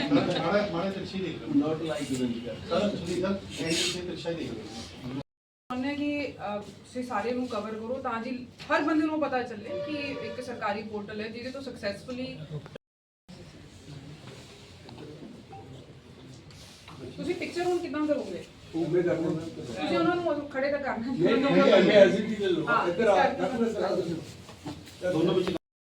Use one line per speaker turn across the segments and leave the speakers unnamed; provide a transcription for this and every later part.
ਮਾੜੇ ਤਿਰਛੀ ਦੇਖ ਲਓ, not like sir Sunil sir angle ਤੇ ਤਿਰਛਾ ਦੇਖ ਲਓ
ਉਹਨੇ ਕਿ ਤੁਸੀਂ ਸਾਰੇ ਨੂੰ ਕਵਰ ਕਰੋ ਤਾਂ ਜੀ ਹਰ ਬੰਦੇ ਨੂੰ ਪਤਾ ਚੱਲੇ ਕਿ ਇੱਕ ਸਰਕਾਰੀ ਪੋਰਟਲ ਹੈ ਜਿਹਦੇ ਤੋਂ ਸਕਸੈਸਫੁਲੀ ਤੁਸੀਂ ਪਿਕਚਰ ਹੁਣ ਕਿਦਾਂ ਕਰੋਗੇ
ਉਵੇਂ ਕਰਨਾ
ਤੁਸੀਂ ਉਹਨਾਂ ਨੂੰ ਖੜੇ ਤਾਂ ਕਰਨਾ
ਨਹੀਂ ਐਸੀ ਚੀਜ਼ ਲੋ ਇੱਧਰ ਆ
ਦੋਨੋਂ ਵਿੱਚ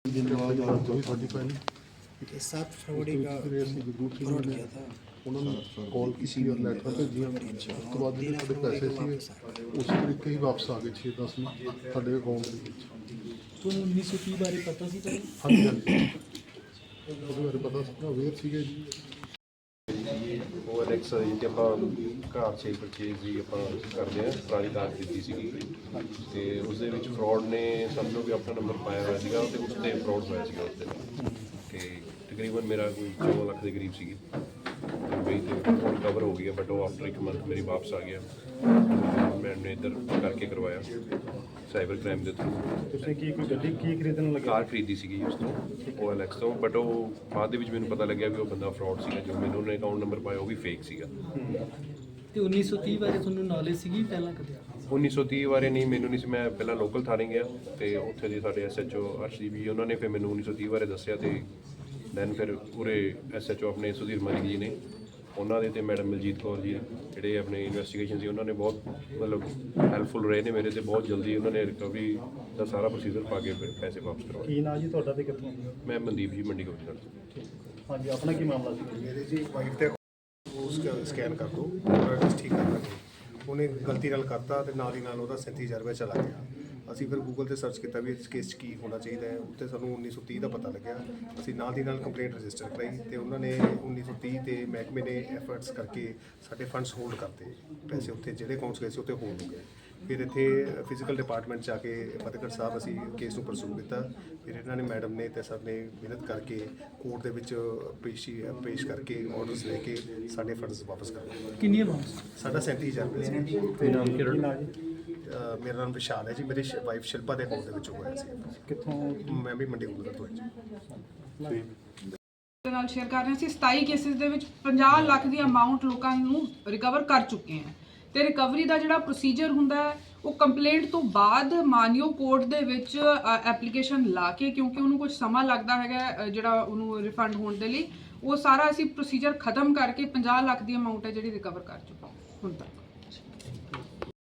ये 7 फरवरी का फ्रॉड किया था
उन्होंने कॉल की और लेटर भेजिया उसके बाद जो साढ़े पैसे थे उस तरीके ही वापस आ गए 6-10 में साढ़े अकाउंट के
तो 1930 बारे पता सी चले
हाँ जी हाँ जी ਉਹਦੇ ਬਾਰੇ ਪਤਾ ਸੀ ਅਵੇਅਰ ਸੀਗੇ ਜੀ
OLX ਜਿੱਥੇ ਆਪਾਂ ਕਾਰ 'ਚ ਪਰਚੇਜ਼ ਜੀ ਆਪਾਂ ਕਰਦੇ ਹਾਂ ਪੁਰਾਣੀ ਕਾਰ ਦਿੱਤੀ ਸੀਗੀ ਤੇ ਉਸ ਦੇ ਵਿੱਚ ਫਰਾਡ ਨੇ ਸਮਝੋ ਕਿ ਆਪਣਾ ਨੰਬਰ ਪਾਇਆ ਹੋਇਆ ਸੀਗਾ ਤੇ ਉਸ 'ਤੇ ਫਰਾਡ ਹੋਇਆ ਸੀਗਾ ਉਸ ਦੇ ਤੇ ਤਕਰੀਬਨ ਮੇਰਾ ਕੋਈ 14 ਲੱਖ ਦੇ ਕਰੀਬ ਸੀਗੀ ਬਈ ਤੇ ਹੁਣ ਕਵਰ ਹੋ ਗਿਆ ਬਟ ਉਹ ਆਫਟਰ ਇੱਕ ਮੰਥ ਮੇਰੀ ਵਾਪਸ ਆ ਗਿਆ ਮੈਨੇ ਇੱਧਰ ਕਰਕੇ ਕਰਵਾਇਆ ਸਾਈਬਰ ਕ੍ਰਾਈਮ ਦੇ ਥਰੂ।
ਤੁਸੀਂ ਕੀ ਕੋਈ ਗੱਡੀ ਕੀ ਖਰੀਦਣ ਲੱਗੇ?
ਕਾਰ ਖਰੀਦੀ ਸੀਗੀ ਉਸ ਤੋਂ OLX ਤੋਂ ਬਟ ਉਹ ਬਾਅਦ ਦੇ ਵਿੱਚ ਮੈਨੂੰ ਪਤਾ ਲੱਗਿਆ ਵੀ ਉਹ ਬੰਦਾ ਫਰਾਡ ਸੀਗਾ ਜੋ ਮੈਨੂੰ ਉਹਨੇ ਅਕਾਊਂਟ ਨੰਬਰ ਪਾਇਆ ਉਹ ਵੀ ਫੇਕ ਸੀਗਾ।
ਤੇ 1930 ਬਾਰੇ ਤੁਹਾਨੂੰ ਨੌਲੇਜ ਸੀਗੀ ਪਹਿਲਾਂ ਕਦੇ?
1930 ਬਾਰੇ ਨਹੀਂ ਮੈਨੂੰ ਨਹੀਂ ਸੀ, ਮੈਂ ਪਹਿਲਾਂ ਲੋਕਲ ਥਾਣੇ ਗਿਆ ਤੇ ਉੱਥੇ ਦੇ ਸਾਡੇ SHO ਅਰਸ਼ਦੀਪ ਜੀ ਉਹਨਾਂ ਨੇ ਫਿਰ ਮੈਨੂੰ 1930 ਬਾਰੇ ਦੱਸਿਆ ਤੇ ਦੈਨ ਫਿਰ ਪੂਰੇ SHO ਆਪਣੇ ਸੁਧੀਰ ਮਲਿਕ ਜੀ ਨੇ ਉਹਨਾਂ ਦੇ ਤੇ ਮੈਡਮ ਮਲਜੀਤ ਕੌਰ ਜੀ ਜਿਹੜੇ ਆਪਣੇ ਇਨਵੈਸਟੀਗੇਸ਼ਨ ਸੀ ਉਹਨਾਂ ਨੇ ਬਹੁਤ ਮਤਲਬ ਹੈਲਪਫੁਲ ਰਹੇ ਨੇ ਮੇਰੇ ਤੇ ਬਹੁਤ ਜਲਦੀ ਉਹਨਾਂ ਨੇ ਰਿਕਵਰੀ ਦਾ ਸਾਰਾ ਪ੍ਰੋਸੀਜਰ ਪਾ ਕੇ ਫਿਰ ਪੈਸੇ ਵਾਪਸ ਕਰਵਾਏ।
ਕੀ ਨਾਂ ਜੀ ਤੁਹਾਡਾ ਤੇ ਕਿੱਥੋਂ?
ਮੈਂ ਮਨਦੀਪ ਜੀ ਮੰਡੀ ਗੋਬਿੰਦਗੜ੍ਹ।
ਹਾਂਜੀ ਆਪਣਾ ਕੀ ਮਾਮਲਾ ਸੀ?
ਮੇਰੇ ਜੀ ਵਾਈਫ ਤੇ ਉਸ ਸਕੈਨ ਕਰ ਦੋ ਪੂਰਾ ਠੀਕ ਕਰ ਦਾਂਗੇ। ਉਹਨੇ ਗਲਤੀ ਨਾਲ ਕਰਤਾ ਤੇ ਨਾਲ ਹੀ ਨਾਲ ਉਹਦਾ 37000 ਰੁਪਏ ਚਲਾ ਗਿਆ। ਅਸੀਂ ਫਿਰ ਗੂਗਲ ਤੇ ਸਰਚ ਕੀਤਾ ਵੀ ਇਸ ਕੇਸ 'ਚ ਕੀ ਹੋਣਾ ਚਾਹੀਦਾ ਹੈ, ਉੱਤੇ ਸਾਨੂੰ 1930 ਦਾ ਪਤਾ ਲੱਗਿਆ। ਅਸੀਂ ਨਾਲ ਦੀ ਨਾਲ ਕੰਪਲੇਂਟ ਰਜਿਸਟਰ ਕਰਾਈ ਤੇ ਉਹਨਾਂ ਨੇ 1930 ਤੇ ਮਹਿਕਮੇ ਨੇ ਐਫਰਟਸ ਕਰਕੇ ਸਾਡੇ ਫੰਡਸ ਹੋਲਡ ਕਰਤੇ, ਪੈਸੇ ਉੱਥੇ ਜਿਹੜੇ ਅਕਾਊਂਟਸ ਗਏ ਸੀ ਉੱਥੇ ਹੋਲਡ ਹੋ ਗਏ। ਫਿਰ ਇੱਥੇ ਫਿਜ਼ੀਕਲ ਡਿਪਾਰਟਮੈਂਟ 'ਚ ਆ ਕੇ ਫਤਿਹਗੜ੍ਹ ਸਾਹਿਬ ਅਸੀਂ ਕੇਸ ਨੂੰ ਪਰਸੂ ਕੀਤਾ। ਫਿਰ ਇਹਨਾਂ ਨੇ ਮੈਡਮ ਨੇ ਤੇ ਸਰ ਨੇ ਮਿਹਨਤ ਕਰਕੇ ਕੋਰਟ ਦੇ ਵਿੱਚ ਪੇਸ਼ ਕਰਕੇ ਆਰਡਰਸ ਲੈ ਕੇ ਸਾਡੇ ਫੰਡਸ ਵਾਪਸ ਕਰਵਾਏ।
ਕਿੰਨੀ ਅਮਾਉਂਟ?
ਸਾਡਾ 37000 ਰੁਪਏ ਸੀ।
ਤੇ ਨਾਮ ਕੀ ਜੀ?
ਮੇਰਾ ਨਾਮ ਵਿਸ਼ਾਲ ਹੈ ਜੀ। ਮੇਰੀ ਵਾਈਫ ਸ਼ਿਲਪਾ ਦੇ ਅਕਾਊਂਟ ਦੇ ਵਿੱਚੋਂ ਹੋਇਆ ਸੀ।
ਕਿੱਥੋਂ?
ਮੈਂ ਵੀ ਮੰਡੀ ਗੁਰੂ ਤੋਂ ਹਾਂ ਜੀ।
ਦੇ ਨਾਲ ਸ਼ੇਅਰ ਕਰ ਰਹੇ ਸੀ 27 ਕੇਸਿਸ ਦੇ ਵਿੱਚ 50 ਲੱਖ ਦੀ ਅਮਾਉਂਟ ਲੋਕਾਂ ਨੂੰ ਰਿਕਵਰ ਕਰ ਚੁੱਕੇ ਹਨ ਤੇ ਰਿਕਵਰੀ ਦਾ ਜਿਹੜਾ ਪ੍ਰੋਸੀਜਰ ਹੁੰਦਾ ਹੈ ਉਹ ਕੰਪਲੇਂਟ ਤੋਂ ਬਾਅਦ ਮਾਨਯੋਗ ਕੋਰਟ ਦੇ ਵਿੱਚ ਐਪਲੀਕੇਸ਼ਨ ਲਾ ਕੇ, ਕਿਉਂਕਿ ਉਹਨੂੰ ਕੁਝ ਸਮਾਂ ਲੱਗਦਾ ਹੈਗਾ ਜਿਹੜਾ ਉਹਨੂੰ ਰਿਫੰਡ ਹੋਣ ਦੇ ਲਈ, ਉਹ ਸਾਰਾ ਅਸੀਂ ਪ੍ਰੋਸੀਜਰ ਖਤਮ ਕਰਕੇ 50 ਲੱਖ ਦੀ ਅਮਾਉਂਟ ਹੈ ਜਿਹੜੀ ਰਿਕਵਰ ਕਰ ਚੁੱਕੇ ਹੁਣ ਤੱਕ।